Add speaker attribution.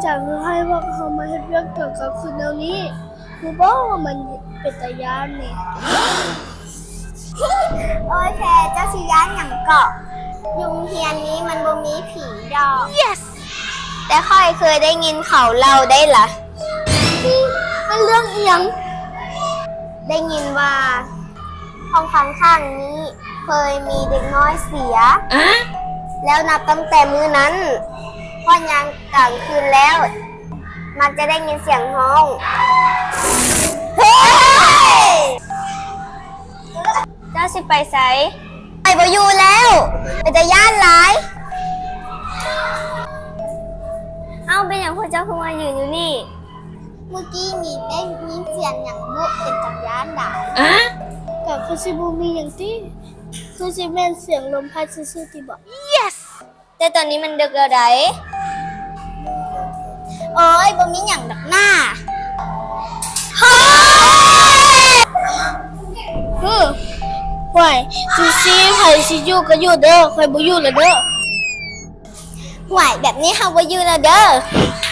Speaker 1: จากให้ว่าเขามาเฮ็ดเรื่องเกี่ยวกับคืนแนวนี้คือบอกว่ามันเป็นตาย่านนี่
Speaker 2: โอ้ยแพรเจ้าสิย้านอย่างเกาะยุงเฮียนนี้มันบ่มีผีดอก
Speaker 1: yes
Speaker 2: แต่ค่อยเคยได้ยินเขาเล่าได้ล่ะ
Speaker 1: มันเรื่องเอียง
Speaker 2: ได้ยินว่าห้องข้างๆนี้เคยมีเด็กน้อยเสีย แล้วนับตั้งแต่มื้อนั้นพอยามกลางคืนแล้ว มันจะได้ยินเสียงห้องเฮ้ยเจ้าสิไปไสไปบ่อยู่แล้วไปแต่ย่านหลายเอาเป็นอย่างพวกเจ้าคือมายืนอยู่นี่ เมื่อกี้นี่ได้ยินเสียงอย่างบุเป็นจักรยานด่า
Speaker 1: กับคือสิบูมีอย่างที่คือสิแม่นเสียงลมพัดซื่อๆที่บอก
Speaker 2: yes แต่ตอนนี้มันดึกแล้วไดโอ้ยบ่มีหยังดักหน้าเฮ้ย
Speaker 1: ห่วยสิไผสิอยู่ก็อยู่เด้อข่อยบ่อยู่แล้วเด้อ
Speaker 2: ไหวแบบนี้เฮาบ่อยู่แล้วเด้อ